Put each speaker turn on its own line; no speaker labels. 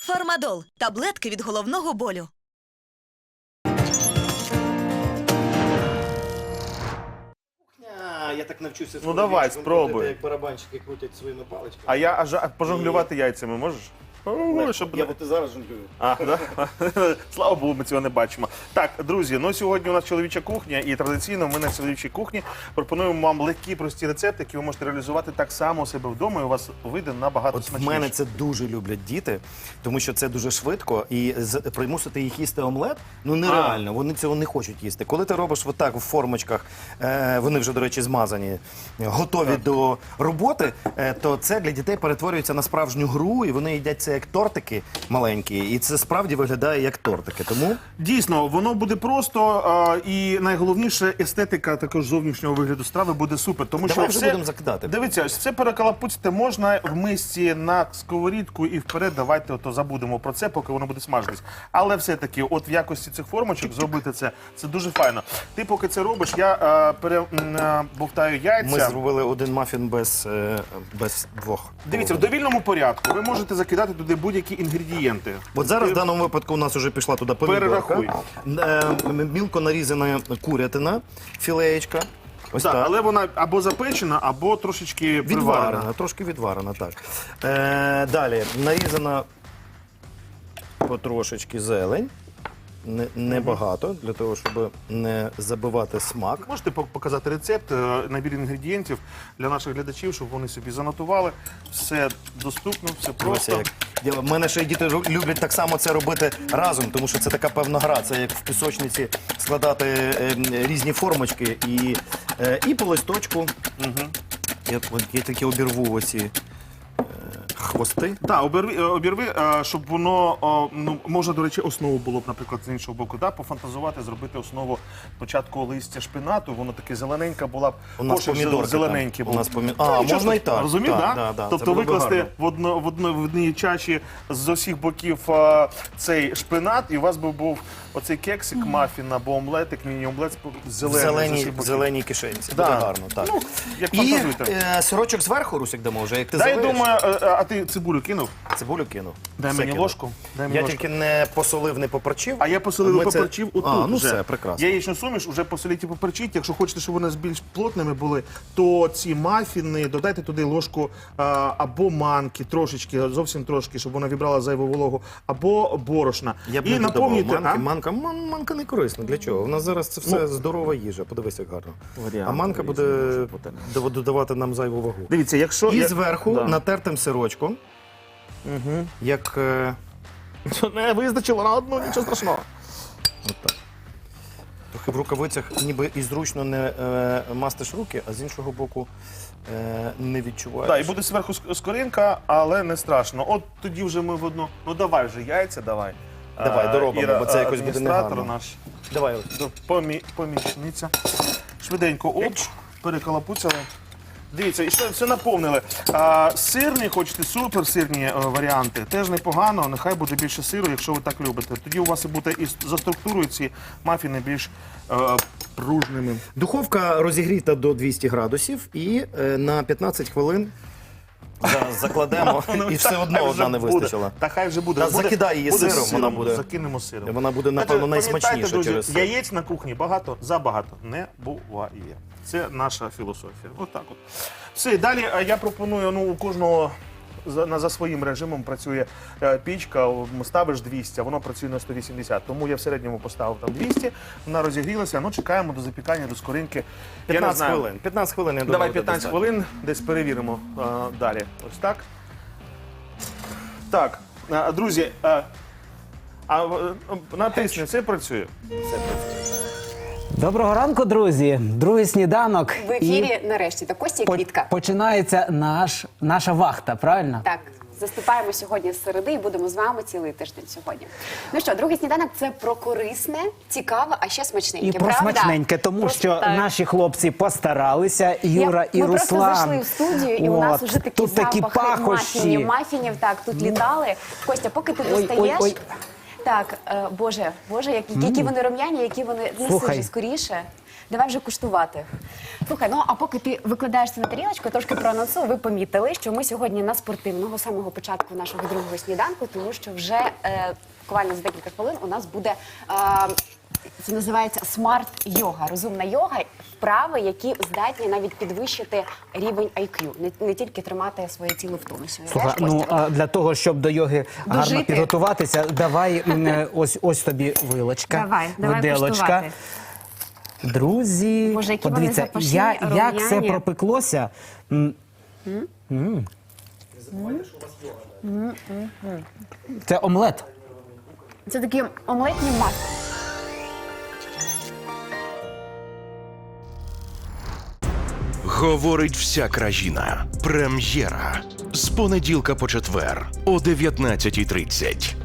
Фармадол – таблетки від головного болю.
Я так навчуся.
Ну давай, спробуй.
Як барабанщики крутять своїми паличками.
А я аж пожонглювати яйцями можеш?
Я от і зараз жонглюю.
А, да? Слава Богу, ми цього не бачимо. Так, друзі, ну сьогодні у нас чоловіча кухня, і традиційно ми на чоловічій кухні пропонуємо вам легкі, прості рецепти, які ви можете реалізувати так само у себе вдома, і у вас вийде набагато
От в
смачніше.
мене це дуже люблять діти, тому що це дуже швидко, і примусити їх їсти омлет, ну нереально, вони цього не хочуть їсти. Коли ти робиш отак в формочках, вони вже, до речі, змазані, готові до роботи, то це для дітей перетворюється на справжню гру, і вони їдять це як тортики маленькі, і це справді виглядає як тортики. Тому
Дійсно, воно буде просто, і найголовніше, естетика також зовнішнього вигляду страви буде супер. Тому
давай
що
вже
все,
будемо закидати.
Дивіться, все перекалапуцьти можна в мисці на сковорідку і вперед. Давайте ото забудемо про це, поки воно буде смажитись. Але все-таки, от в якості цих формочок зробити це дуже файно. Ти поки це робиш, я перебовтаю яйця.
Ми зробили один мафін без двох.
Дивіться, в довільному порядку ви можете закидати туди будь-які інгредієнти.
От зараз в даному випадку у нас вже пішла туди помідорка, мілко нарізана курятина, філеєчка. Ось
Так,
так.
але вона або запечена, або трошечки приварена.
Відварена, трошки відварена, так. Далі нарізана потрошечки зелень. Небагато, для того, щоб не забивати смак.
Можете показати рецепт, набір інгредієнтів для наших глядачів, щоб вони собі занотували. Все доступно, все просто.
У мене ще й діти люблять так само це робити разом, тому що це така певна гра. Це як в пісочниці складати різні формочки і по листочку. Я такі обірву оці хвости.
Так, обірви, щоб воно, ну, можна, до речі, основу було б, наприклад, з іншого боку, пофантазувати, зробити основу спочатку листя шпинату, воно таке зелененька була б,
У нас помідорки
зелененький був.
Можна і так.
Розумів, так?
Да, да,
Тобто викласти в одній чаші з усіх боків цей шпинат, і у вас би був оцей кексик, мафін або омлетик, міні-омлет зелений.
В зеленій кишенці.
Да.
Буде гарно, так.
Ну, як
І
фантазуєте.
сирочок зверху, Русик, дамо вже, як ти
Да, я
завариш.
думаю, а ти цибулю кинув?
Цибулю кинув.
Дай
Все
мені
кинув.
ложку.
Я тільки не посолив, не поперчив.
А я посолив і поперчив отут
ну
вже.
все, прекрасно.
Яєчну суміш вже посоліть і поперчіть. Якщо хочете, щоб вони більш плотними були, то ці мафіни додайте туди ложку або манки, трошечки, зовсім трошки, щоб вона вібрала зайву вологу, або борошна.
Я б
і
не
наповнюйте.
манки. Манка не корисна. Для чого? У нас зараз це все здорова їжа. Подивись, як гарно. А манка буде додавати нам зайву вагу.
Дивіться, якщо...
І зверху натертим сирочком, як...
Не вистачило на одну, нічого страшного.
Отак. Трохи в рукавицях ніби і зручно не мастиш руки, а з іншого боку не відчуваєш.
Так, і буде зверху скоринка, але не страшно. От тоді вже ми в одну... Ну давай вже яйця, давай.
Давай, доробимо,
Іра,
бо це якось буде
адміністратор
негарно.
наш.
Давай.
Помічниця. Швиденько, перекалапуцяли. Дивіться, і все наповнили. Сирні, хочете, суперсирні варіанти, теж непогано, нехай буде більше сиру, якщо ви так любите. Тоді у вас і буде і за структурою ці мафіни більш пружними.
Духовка розігріта до 200 градусів і на 15 хвилин закладемо, і все одно одна не вистачила.
Та хай вже буде.
Закидай її сиром, вона буде.
Закинемо сиром.
Вона буде, напевно, найсмачніша
Пам'ятайте, друзі,
через сир.
яєць на кухні забагато не буває. Це наша філософія. Отак от. Все, далі я пропоную, ну, у кожного за своїм режимом працює пічка, ставиш 200, а воно працює на 180. Тому я в середньому поставив там 200, вона розігрілася, ну чекаємо до запікання, до скоринки.
15 хвилин. 15 хвилин, я думаю,
Давай
буде
15
достатньо.
хвилин, десь перевіримо далі. Ось так. Так, друзі, натисни, це працює?
Доброго ранку, друзі! Другий сніданок.
В ефірі нарешті та Костя і Квітка.
Починається наша вахта, правильно?
Так, заступаємо сьогодні з середи і будемо з вами цілий тиждень сьогодні. Ну що, другий сніданок – це про корисне, цікаве, а ще смачненьке,
І про
правда?
смачненьке, тому що наші хлопці постаралися, Юра і
Ми
Руслан.
просто зайшли в студію, і у нас вже такі
тут такі
запахи
пахощі.
мафінів, так, тут літали. Костя, поки ти достаєш...
ой.
Так, Боже, які вони рум'яні, які вони... Неси
Слухай.
вже скоріше. давай вже куштувати. Слухай, ну а поки ти викладаєш це на тарілочку, я трошки проанонсую, ви помітили, що ми сьогодні на спортивного з самого початку нашого другого сніданку, тому що вже буквально за декілька хвилин у нас буде, це називається смарт-йога, розумна йога, вправи, які здатні навіть підвищити рівень IQ, не тільки тримати своє тіло в тонусі.
Слухай,
Знаєш,
ну
Костя?
а для того, щоб до йоги гарно
Дожити.
підготуватися, давай ось тобі вилочка,
Давай
виделочка.
куштувати.
Друзі,
Боже, які вони
подивіться,
запашні,
як це
рум'яні.
пропеклося. Це омлет.
Це такі омлетні маски.
Говорить вся країна. Прем'єра. З понеділка по четвер о 19:30.